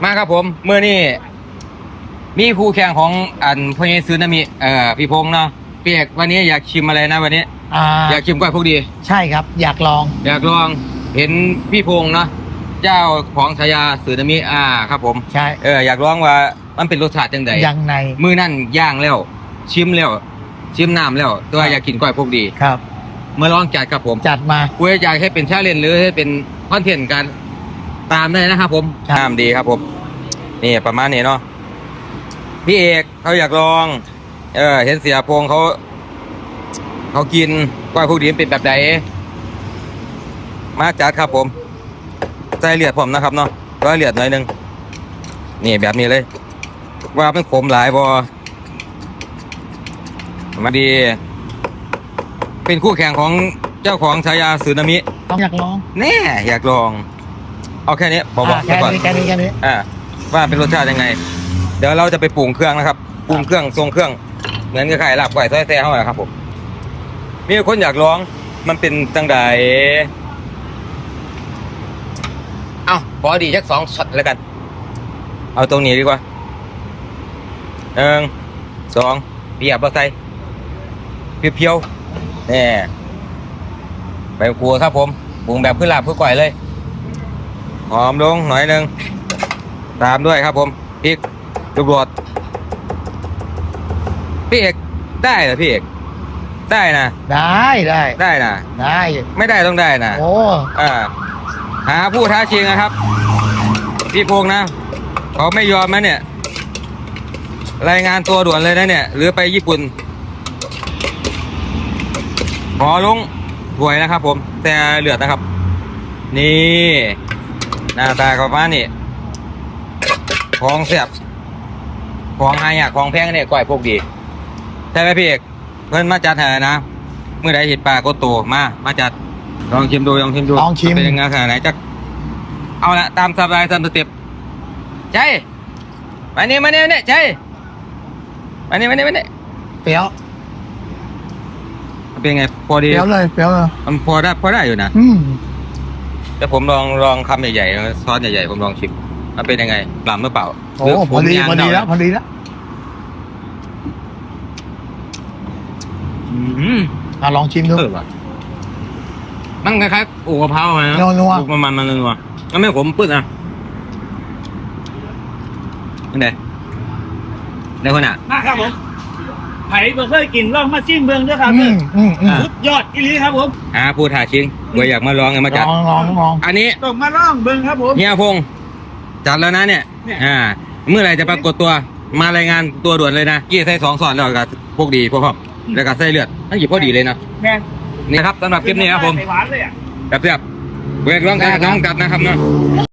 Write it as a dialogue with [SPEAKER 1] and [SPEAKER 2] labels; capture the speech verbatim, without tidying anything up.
[SPEAKER 1] มาครับผมเมื่อนี้มีคู่แข่งของอันพญซึนามิเอ่อพี่พงษ์เนาะเปียกวันนี้อยากชิมอะไรนะวันนี้
[SPEAKER 2] อ่า
[SPEAKER 1] อยากชิมก้อยพวกดี
[SPEAKER 2] ใช่ครับอยากลอง
[SPEAKER 1] อยากลองเห็นพี่พงษ์เนาะเจ้าของฉายาซึนามิอ่าครับผม
[SPEAKER 2] ใช่
[SPEAKER 1] เอออยากลองว่ามันเป็นรสชาติจังได
[SPEAKER 2] ยังไง
[SPEAKER 1] มื้อนั่นย่างแล้วชิมแล้วชิมน้ำแล้วตัวอยากกินก้อยพวกดี
[SPEAKER 2] ครับ
[SPEAKER 1] เมื่อลองจัดครับผม
[SPEAKER 2] จัดมา
[SPEAKER 1] คุยอยากให้เป็นชาเลนจ์หรือให้เป็นคอนเทนต์การตามได้นะครับผมตามดีครับผมนี่ประมาณนี้เนาะพี่เอกเขาอยากลองเออเห็นเสียพงเขาเขากินก้อยพวกดีเป็นแบบไหนมาจัดครับผมใส่เลือดผมนะครับเนาะก็เลือดหน่อยนึงนี่แบบนี้เลยว่าเป็นขมหลายบอมาดีเป็นคู่แข่งของเจ้าของฉายาสึนามิ
[SPEAKER 2] ต้องอยากลอง
[SPEAKER 1] แน่อยากลองเอาแค่นี้บอกบอก
[SPEAKER 2] แค่นี้แค่นี้แค่นี้
[SPEAKER 1] อ่าว่าเป็นรสชาติยังไงเดี๋ยวเราจะไปปรุงเครื่องนะครับปรุงเครื่องทรงเครื่องเหมือนกับไข่ลาบไก่ซอยแซ่เข้ามาครับผมมีคนอยากลองมันเป็นจังใดเอ้าพอดีสักสองช็อตแล้วกันเอาตรงนี้ดีกว่าหนึ่งสองเปียบเอาใส่เพียวๆนี่ไปครัวครับผมปรุงแบบขึ้นลาบขึ้นก่อยเลยหอมลงหน่อยหนึ่งตามด้วยครับผมพริกลูกโดดพี่เอกได้เหรอพี่เอกได้นะ
[SPEAKER 2] ได้ได้
[SPEAKER 1] ได้นะ
[SPEAKER 2] ได้
[SPEAKER 1] ไม่ได้ต้องได้นะ
[SPEAKER 2] โอ้
[SPEAKER 1] อ่าหาผู้ท้าชิงนะครับพี่พงษ์นะเขาไม่ยอมนะเนี่ยรายงานตัวด่วนเลยนะเนี่ยหรือไปญี่ปุ่นขอลงถ้วยนะครับผมแต่เลือดนะครับนี่หน้าตาประมาณนี้ของเสียบของหายากของแพงเนี่ยก้อยพวกดีใช่ไหมพี่เอกเพื่อนมาจัดหานะเมื่อใดเห็นปลาก็โตมามาจัดลองชิมดูลองชิมดู
[SPEAKER 2] ลองชิม
[SPEAKER 1] เป็นยังไงขนาดไหนจักเอาละตามสบายตามสเต็ปใช่มาเนี่ยมาเนี่ยเนี่ยใช่มาเนี่ยมาเนี่ยมาเนี่ย
[SPEAKER 2] เปรี้ยว
[SPEAKER 1] เป็นไงพอดี
[SPEAKER 2] เปรี้ยวเลยเปรี้ยวเลย
[SPEAKER 1] มันพอได้พอได้อยู่นะ
[SPEAKER 2] อืม
[SPEAKER 1] แต่ผมลองลองคำใหญ่ๆซอสใหญ่ๆผมลองชิมมันเป็นยังไงปลาหรือเปล่า
[SPEAKER 2] โอ้พอดีพอดีแล้วพอดีแล้ว
[SPEAKER 1] อืม
[SPEAKER 2] อ่ะลองชิมดู
[SPEAKER 1] มันคล้ายๆโอ้กะเพราไหม
[SPEAKER 2] นัว
[SPEAKER 1] มันมันมันนัวมันไม่ขมปื้ดนะนี่ไงได้คนอ่ะ
[SPEAKER 3] มาครับผมไผ่เบอร์เคยกินลองมาซิมเบืองด้วยครับ
[SPEAKER 2] อืมอืม
[SPEAKER 3] สุดยอดอีหลีครับผม
[SPEAKER 1] อ่าพูดถ่าชิงเบื่ออยากมาลองไงมาจัด
[SPEAKER 2] ลองลองลอง
[SPEAKER 1] อันนี้
[SPEAKER 3] ต้องมาลองเบืองครับผม
[SPEAKER 1] เฮียพงษ์จัดแล้วนะเนี่ยอ่าเมื่อไหร่จะปรากฏตัวมารายงานตัวด่วนเลยนะกี้ใส่สองสอนแล้วกับพวกดีพวกพ่อแล้วก็ใส่เลือดทั้งหยิบพอดีเลยนะ
[SPEAKER 3] แม่
[SPEAKER 1] นี่ครับสำหรับคลิปนี้ครับผม
[SPEAKER 3] หวานเลยอ่ะ
[SPEAKER 1] แบบเรียบเวทร้องการน้องกัดนะครับเนาะ